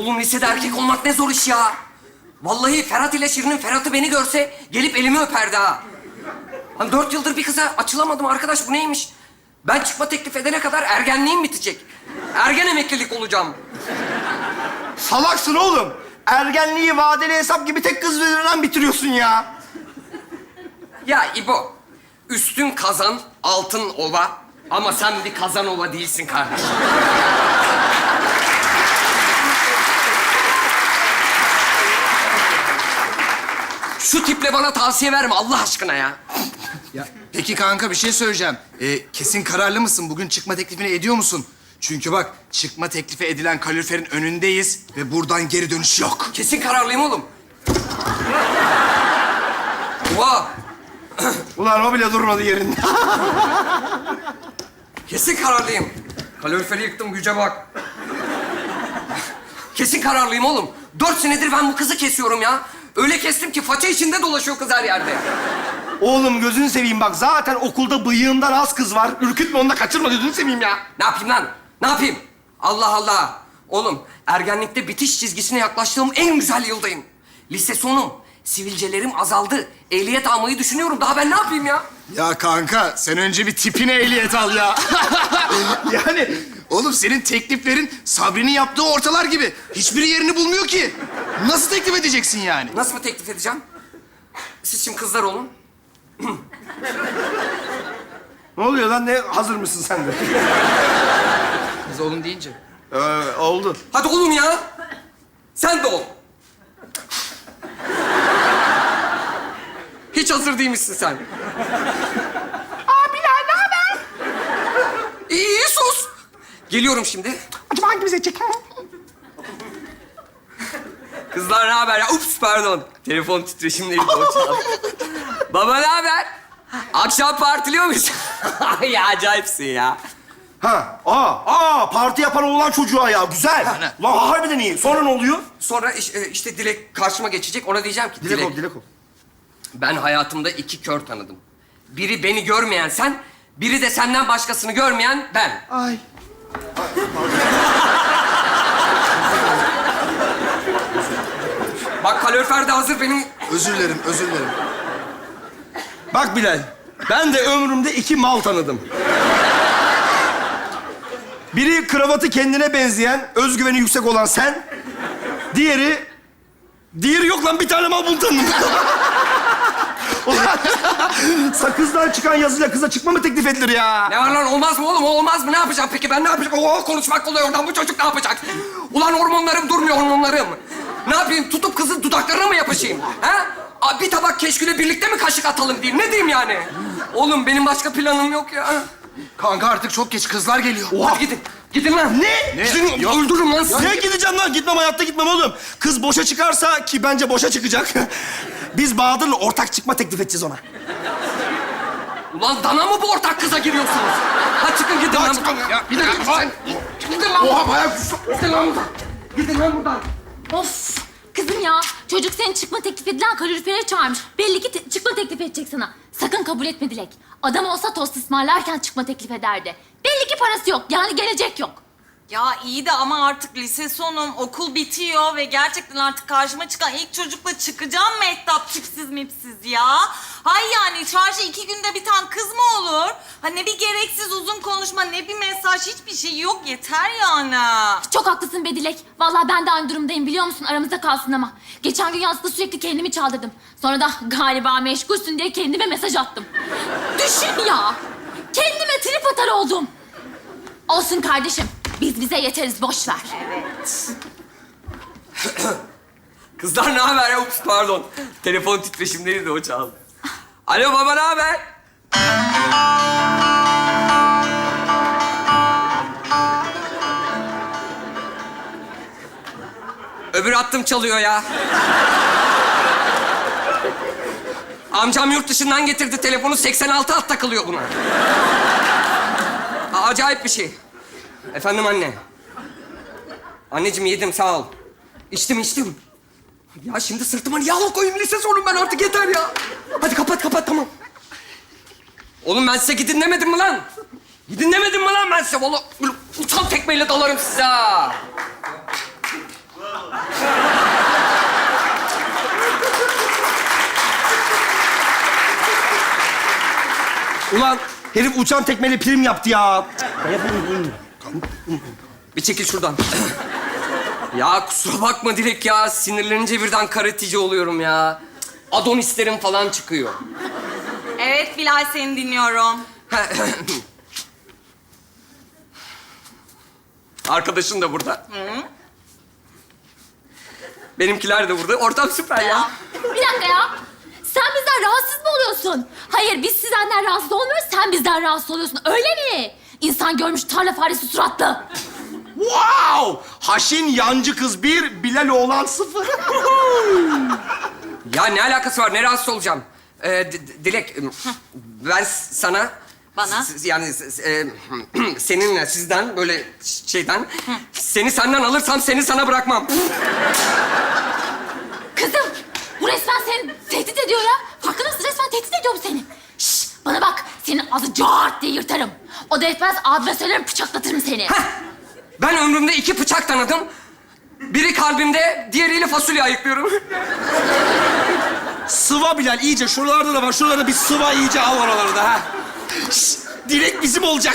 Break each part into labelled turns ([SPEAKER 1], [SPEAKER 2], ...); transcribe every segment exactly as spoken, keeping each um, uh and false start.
[SPEAKER 1] Oğlum lisede erkek olmak ne zor iş ya. Vallahi Ferhat ile Şirin'in Ferhat'ı beni görse gelip elimi öperdi ha. Hani dört yıldır bir kıza açılamadım arkadaş, bu neymiş? Ben çıkma teklif edene kadar ergenliğim bitecek. Ergen emeklilik olacağım.
[SPEAKER 2] Salaksın oğlum. Ergenliği vadeli hesap gibi tek kız üzerinden bitiriyorsun ya.
[SPEAKER 1] Ya İbo, üstün kazan, altın ova. Ama sen bir kazan ova değilsin kardeşim. Şu tiple bana tavsiye verme Allah aşkına ya.
[SPEAKER 3] Ya, peki kanka bir şey söyleyeceğim. Ee, kesin kararlı mısın? Bugün çıkma teklifini ediyor musun? Çünkü bak çıkma teklifi edilen kaloriferin önündeyiz ve buradan geri dönüş yok.
[SPEAKER 1] Kesin kararlıyım oğlum. Oha!
[SPEAKER 2] Ulan o bile durmadı yerinde.
[SPEAKER 1] Kesin kararlıyım. Kaloriferi yıktım, güce bak. Kesin kararlıyım oğlum. Dört senedir ben bu kızı kesiyorum ya. Öyle kestim ki faça içinde dolaşıyor kız her yerde.
[SPEAKER 2] Oğlum gözünü seveyim bak. Zaten okulda bıyığından az kız var. Ürkütme onu da kaçırma gözünü seveyim ya.
[SPEAKER 1] Ne yapayım lan? Ne yapayım? Allah Allah. Oğlum, ergenlikte bitiş çizgisine yaklaştığım en güzel yıldayım. Lise sonum. Sivilcelerim azaldı. Ehliyet almayı düşünüyorum. Daha ben ne yapayım ya?
[SPEAKER 3] Ya kanka sen önce bir tipine ehliyet al ya. Yani oğlum senin tekliflerin Sabri'nin yaptığı ortalar gibi. Hiçbiri yerini bulmuyor ki. Nasıl teklif edeceksin yani?
[SPEAKER 1] Nasıl mı teklif edeceğim? Siz şimdi kızlar olun.
[SPEAKER 2] Ne oluyor lan? Ne hazır mısın sen de?
[SPEAKER 3] Kız oğlum deyince.
[SPEAKER 2] Ee, oldu.
[SPEAKER 1] Hadi oğlum ya. Sen de ol. Hiç hazır değilmişsin sen.
[SPEAKER 2] Abiler ne haber?
[SPEAKER 1] İyi, iyi sus. Geliyorum şimdi.
[SPEAKER 2] Acaba hangimiz edecek?
[SPEAKER 1] Kızlar ne haber ya? Ups pardon. Telefon titreşimleri o çaldı. Baba ne haber? Akşam partiliyor muyuz? Ya acayipsin ya.
[SPEAKER 2] Ha, aa, aa, parti yapan oğlan çocuğa ya. Güzel. Lan harbiden iyi. Sonra ne oluyor?
[SPEAKER 1] Sonra iş- e, işte Dilek karşıma geçecek. Ona diyeceğim ki
[SPEAKER 2] Dilek ol, dilek ol.
[SPEAKER 1] ben hayatımda iki kör tanıdım. Biri beni görmeyen sen, biri de senden başkasını görmeyen ben.
[SPEAKER 2] Ay.
[SPEAKER 1] Bak kalorifer de hazır benim.
[SPEAKER 3] Özür dilerim, özür dilerim.
[SPEAKER 2] Bak Bilal, ben de ömrümde iki mal tanıdım. Biri kravatı kendine benzeyen, özgüveni yüksek olan sen. Diğeri... Diğeri yok lan, bir tane mal bunu tanıdım. Ulan, sakızdan çıkan yazıyla kıza çıkma mı teklif edilir ya?
[SPEAKER 1] Ne var lan, olmaz mı oğlum? O olmaz mı? Ne yapacağım peki? Ben ne yapacağım? Oo, konuşmak kolay oradan. Bu çocuk ne yapacak? Ulan hormonlarım durmuyor, hormonlarım. Ne yapayım? Tutup kızın dudaklarına mı yapışayım? Ha? Aa, bir tabak keşküle birlikte mi kaşık atalım diyeyim? Ne diyeyim yani? Oğlum benim başka planım yok ya.
[SPEAKER 3] Kanka artık çok geç, kızlar geliyor.
[SPEAKER 1] Hadi gidin. Gidin lan.
[SPEAKER 2] Ne?
[SPEAKER 3] Ne?
[SPEAKER 1] Gidin,
[SPEAKER 3] Yok.
[SPEAKER 1] öldürürüm lan sizi.
[SPEAKER 2] Ne gideceğim lan? Gitmem, hayatta gitmem oğlum. Kız boşa çıkarsa, ki bence boşa çıkacak. Biz Bahadır'la ortak çıkma teklif edeceğiz ona.
[SPEAKER 1] Ulan dana mı bu ortak kıza giriyorsunuz? Hadi çıkın gidin lan buradan.
[SPEAKER 3] Ya,
[SPEAKER 1] Gidin
[SPEAKER 3] ya,
[SPEAKER 1] gidin
[SPEAKER 3] bak.
[SPEAKER 1] sen. Gidin lan.
[SPEAKER 2] Oha, bayağı...
[SPEAKER 1] Gidin lan buradan. Gidin lan buradan.
[SPEAKER 4] Of! Kızım ya, çocuk senin çıkma teklif edilen kalorifere çağırmış. Belli ki te- çıkma teklif edecek sana. Sakın kabul etme Dilek. Adam olsa tost ısmarlarken çıkma teklif ederdi. Belli ki parası yok, yani gelecek yok.
[SPEAKER 5] Ya iyi de ama artık lise sonum, okul bitiyor ve gerçekten artık karşıma çıkan ilk çocukla çıkacağım Mehtap, tipsiz mipsiz ya. Hay yani şarjı iki günde biten kız mı olur? Ha ne bir gereksiz uzun konuşma, ne bir mesaj, hiçbir şey yok, yeter yani.
[SPEAKER 4] Çok haklısın be Dilek. Vallahi ben de aynı durumdayım biliyor musun? Aramızda kalsın ama. Geçen gün yazda sürekli kendimi çaldırdım. Sonra da galiba meşgulsün diye kendime mesaj attım. Düşün ya! Kendime trip atar oldum. Olsun kardeşim. Biz bize yeteriz, boş ver.
[SPEAKER 1] Kızlar ne haber ya? Ups pardon. Telefon titreşimleri de o çaldı. Alo baba ne haber? Öbür hattım çalıyor ya. Amcam yurt dışından getirdi telefonu, seksen altı hat takılıyor buna. Aa, acayip bir şey. Efendim anne. Anneciğim yedim sağ ol. İçtim içtim. Ya şimdi sırtıma niye al koyayım, lise sonum ben artık, yeter ya. Hadi kapat kapat tamam. Oğlum ben size gidin demedim mi lan? Gidin demedim mi lan ben size? Vallahi böyle uçan tekmeyle dalarım size ha.
[SPEAKER 2] Ulan herif uçan tekmeyle prim yaptı ya.
[SPEAKER 1] Bir çekil şuradan. Ya kusura bakma Dilek ya. Sinirlenince birden karatici oluyorum ya. Adonislerim falan çıkıyor.
[SPEAKER 5] Evet Bilal, seni dinliyorum.
[SPEAKER 1] Arkadaşın da burada. Benimkiler de burada. Ortam süper ya.
[SPEAKER 4] Bir dakika ya. Sen bizden rahatsız mı oluyorsun? Hayır, biz sizden rahatsız olmuyoruz, sen bizden rahatsız oluyorsun. Öyle mi? İnsan görmüş tarla faresi suratlı.
[SPEAKER 2] Wow! Haşin yancı kız bir, Bilal oğlan sıfır.
[SPEAKER 1] Ya ne alakası var? Ne rahatsız olacağım? Ee, D- D- Dilek, ben s- sana...
[SPEAKER 5] Bana?
[SPEAKER 1] s- Yani s- e, seninle, sizden böyle şeyden... Seni senden alırsam seni sana bırakmam.
[SPEAKER 4] Kızım, bu resmen seni tehdit ediyor ya. Farkında mısın? Resmen tehdit ediyor bu seni. Şşş, bana bak. Senin ağzı cart diye yırtarım. O da etmez, abime söylerim, bıçaklatırım seni.
[SPEAKER 1] Heh, ben ömrümde iki bıçak tanıdım. Biri kalbimde, diğeriyle fasulye ayıklıyorum.
[SPEAKER 2] Sıva Bilal iyice. Şuralarda da var. Şuralarda bir sıva iyice al oralarda ha. Şşş, Dilek bizim olacak.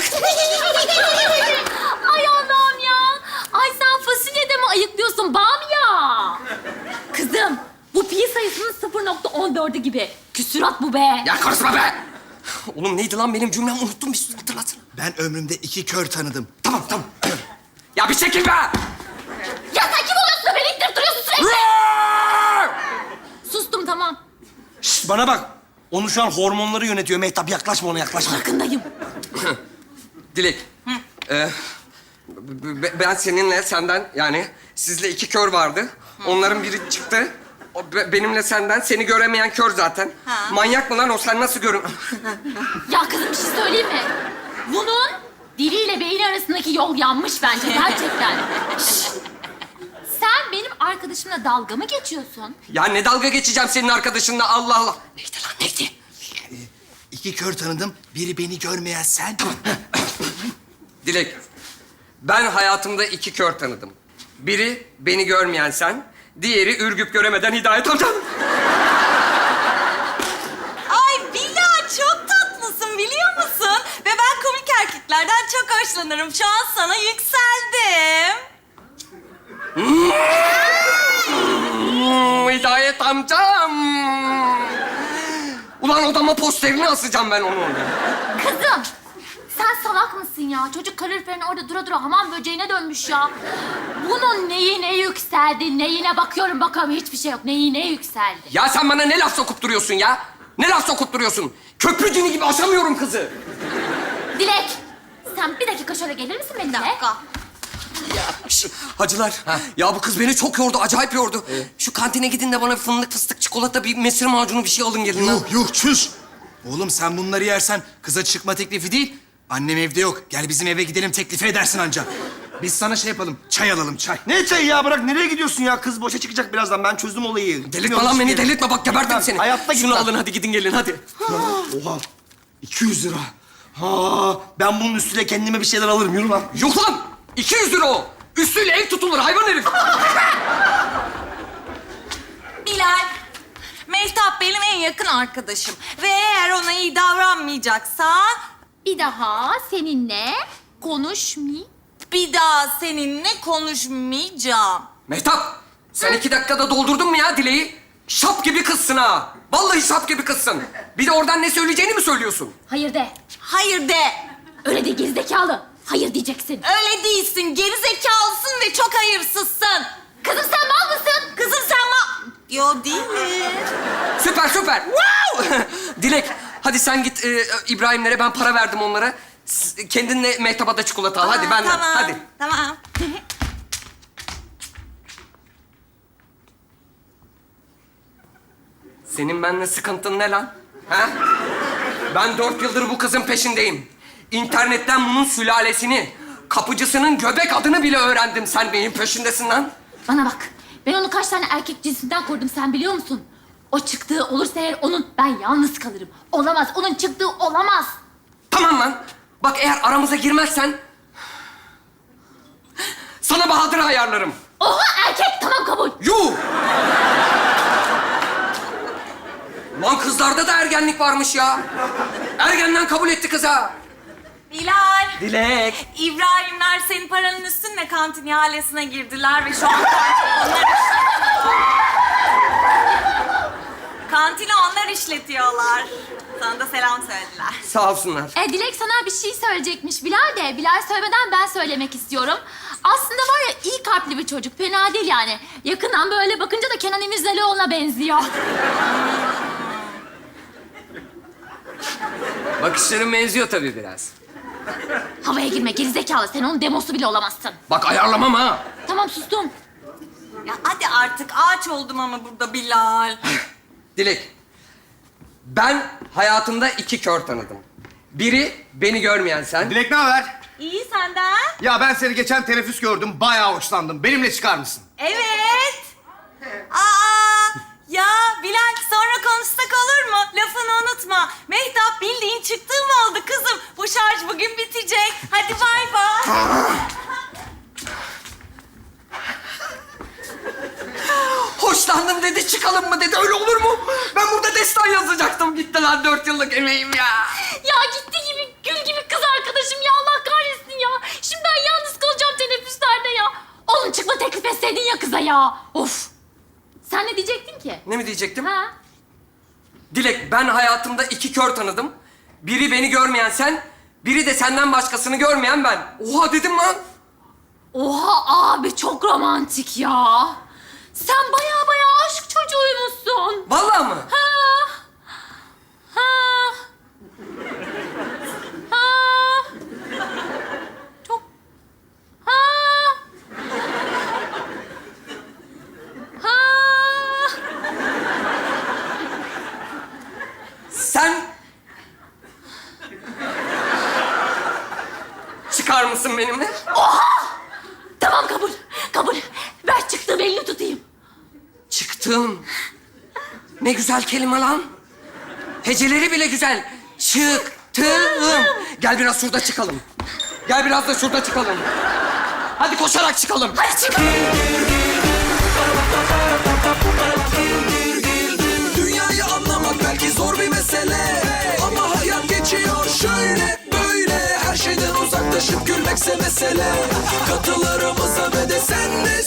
[SPEAKER 4] Ay Allah'ım ya. Ay sen fasulye de mi ayıklıyorsun Bamya? Kızım, bu pi sayısının sıfır nokta on dördü gibi. Küsürat bu be.
[SPEAKER 1] Ya karışma be! Oğlum neydi lan benim cümlem? Unuttum, bir hatırlatsana.
[SPEAKER 3] Ben ömrümde iki kör tanıdım.
[SPEAKER 1] Tamam, tamam. Ya bir çekil be!
[SPEAKER 4] Ya sen kim oluyorsun da beni ittirip duruyorsun sürekli? Sustum, tamam.
[SPEAKER 2] Şşş, bana bak. Onun şu an hormonları yönetiyor. Mehtap yaklaşma ona, yaklaşma.
[SPEAKER 4] Farkındayım.
[SPEAKER 1] Dilek, e, b- b- ben seninle, senden yani sizle iki kör vardı. Onların biri çıktı. O, be- benimle senden, seni göremeyen kör zaten.
[SPEAKER 5] Ha.
[SPEAKER 1] Manyak mı lan o? Sen nasıl görün...
[SPEAKER 4] Ya kızım, bir şey söyleyeyim mi? Bunun diliyle beyni arasındaki yol yanmış bence gerçekten. Şşş! Sen benim arkadaşımla dalga mı geçiyorsun?
[SPEAKER 1] Ya ne dalga geçeceğim senin arkadaşınla, Allah Allah. Neydi lan, neydi?
[SPEAKER 3] İki kör tanıdım. Biri beni görmeyen sen.
[SPEAKER 1] Dilek, ben hayatımda iki kör tanıdım. Biri beni görmeyen sen, diğeri ürgüp göremeden Hidayet amcan.
[SPEAKER 5] Ay Bilal, çok tatlısın biliyor musun? Ve ben komik erkeklerden çok hoşlanırım. Şu an sana yükseldim.
[SPEAKER 1] Hmm, Hidayet amcam. Ulan odama posterini asacağım ben onu.
[SPEAKER 4] Kızım, sen salak mısın ya? Çocuk kaloriferin orada dura dura hamam böceğine dönmüş ya. Bunun neyine yükseldi, neyine bakıyorum bakalım hiçbir şey yok. Neyine yükseldi?
[SPEAKER 1] Ya sen bana ne laf sokup duruyorsun ya? Ne laf sokup duruyorsun? Köprü cini gibi aşamıyorum kızı.
[SPEAKER 4] Dilek, sen bir dakika şöyle gelir misin benimle?
[SPEAKER 5] Bir dakika.
[SPEAKER 1] Şş, hacılar, ya bu kız beni çok yordu, acayip yordu. Şu kantine gidin de bana bir fındık, fıstık, çikolata, bir mesir macunu bir şey alın gelin lan.
[SPEAKER 3] Yuh yuh çüş. Oğlum sen bunları yersen kıza çıkma teklifi değil. Annem evde yok. Gel bizim eve gidelim teklifi edersin anca. Biz sana şey yapalım. Çay alalım çay.
[SPEAKER 2] Ne çayı ya? Bırak, nereye gidiyorsun ya? Kız boşa çıkacak birazdan. Ben çözdüm olayı.
[SPEAKER 1] Delirtme lan beni, delirtme. Bak gebertim
[SPEAKER 2] Gitmem.
[SPEAKER 1] seni.
[SPEAKER 2] Hayatta
[SPEAKER 1] Şunu
[SPEAKER 2] gitmem.
[SPEAKER 1] alın hadi, gidin gelin hadi.
[SPEAKER 2] Oha. iki yüz lira. Ha, ben bunun üstüne kendime bir şeyler alırım. Yürü lan.
[SPEAKER 1] Yok lan! iki yüz lira o. Üstüyle ev tutulur hayvan herif.
[SPEAKER 5] Bilal, Mehtap benim en yakın arkadaşım. Ve eğer ona iyi davranmayacaksa...
[SPEAKER 4] Bir daha seninle konuşmayayım.
[SPEAKER 5] ...bir daha seninle konuşmayacağım.
[SPEAKER 1] Mehtap, sen iki dakikada doldurdun mu ya dileği? Şap gibi kızsın ha. Vallahi şap gibi kızsın. Bir de oradan ne söyleyeceğini mi söylüyorsun?
[SPEAKER 4] Hayır de.
[SPEAKER 5] Hayır de.
[SPEAKER 4] Öyle de gerizekalı. Hayır diyeceksin.
[SPEAKER 5] Öyle değilsin. Geri zekalısın ve çok hayırsızsın.
[SPEAKER 4] Kızım sen mal mısın?
[SPEAKER 5] Kızım sen ma... Yo değilim.
[SPEAKER 1] Süper süper. Wow! Dilek, hadi sen git e, İbrahimlere, ben para verdim onlara. S- Kendinle Mehtap'a da çikolata al. Hadi benden,
[SPEAKER 5] Tamam.
[SPEAKER 1] hadi.
[SPEAKER 5] Tamam.
[SPEAKER 1] Senin benimle sıkıntın ne lan? Ha? Ben dört yıldır bu kızın peşindeyim. İnternetten bunun sülalesini, kapıcısının göbek adını bile öğrendim. Sen benim peşindesin lan.
[SPEAKER 4] Bana bak. Ben onu kaç tane erkek cinsinden korudum sen biliyor musun? O çıktığı olursa eğer onun ben yalnız kalırım. Olamaz. Onun çıktığı olamaz.
[SPEAKER 1] Tamam lan. Bak eğer aramıza girmezsen... sana Bahadır'ı ayarlarım.
[SPEAKER 4] Oha erkek tamam kabul.
[SPEAKER 1] Yuh! Lan kızlarda da ergenlik varmış ya. Ergenden kabul etti kıza.
[SPEAKER 5] Bilal.
[SPEAKER 1] Dilek.
[SPEAKER 5] İbrahimler senin paranın üstünle kantin ihalesine girdiler ve şu an kantini onlar, kantini onlar işletiyorlar. Sana da selam söylediler.
[SPEAKER 1] Sağ olsunlar.
[SPEAKER 4] E, Dilek sana bir şey söyleyecekmiş Bilal de. Bilal söylemeden ben söylemek istiyorum. Aslında var ya iyi kalpli bir çocuk. Fena değil yani. Yakından böyle bakınca da Kenan İmirzalıoğlu'na benziyor.
[SPEAKER 1] Bakışların benziyor tabii biraz.
[SPEAKER 4] Havaya girme gerizekalı. Sen onun demosu bile olamazsın.
[SPEAKER 1] Bak ayarlamam ha.
[SPEAKER 4] Tamam sustum.
[SPEAKER 5] Ya hadi artık ağaç oldum ama burada Bilal.
[SPEAKER 1] Dilek. Ben hayatımda iki kör tanıdım. Biri beni görmeyen sen.
[SPEAKER 6] Dilek ne haber?
[SPEAKER 5] İyi senden.
[SPEAKER 6] Ya ben seni geçen teneffüs gördüm. Bayağı hoşlandım. Benimle çıkar mısın?
[SPEAKER 5] Evet. Aa, ya Bilal sonra konuşsak olur mu? Lafını unutma. Mehtap bildiğin çıktığım oldu kızım. Bu şarj bugün bitecek. Hadi bay bay.
[SPEAKER 1] Hoşlandım dedi, çıkalım mı dedi. Öyle olur mu? Ben burada destan yazacaktım. Gitti lan dört yıllık emeğim ya.
[SPEAKER 4] Ya gitti gibi gül gibi kız arkadaşım ya Allah kahretsin ya. Şimdi ben yalnız kalacağım teneffüslerde ya. Oğlum çıkma teklif etseydin ya kıza ya. Of. Sen ne diyecektin ki?
[SPEAKER 1] Ne mi diyecektim?
[SPEAKER 4] Ha?
[SPEAKER 1] Dilek, ben hayatımda iki kör tanıdım. Biri beni görmeyen sen, biri de senden başkasını görmeyen ben. Oha dedim lan.
[SPEAKER 4] Oha abi çok romantik ya. Sen baya baya aşk çocuğuymuşsun.
[SPEAKER 1] Vallahi mı?
[SPEAKER 4] Ha. Ha. Ha. Çok. Ha. Ha.
[SPEAKER 1] Sen... Çıkar mısın benimle?
[SPEAKER 4] Tamam kabul. Kabul. Ver çıktığım elini tutayım.
[SPEAKER 1] Çıktım. Ne güzel kelime lan. Heceleri bile güzel. Çıktım. Gel biraz şurada çıkalım. Gel biraz da şurada çıkalım. Hadi koşarak çıkalım.
[SPEAKER 4] Hadi çık.
[SPEAKER 7] Dünyayı anlamak belki zor bir mesele, ama hayat geçiyor şöyle böyle. Her şeyden uzaklaşıp gülmekse mesele. Katılarımıza ve de sen de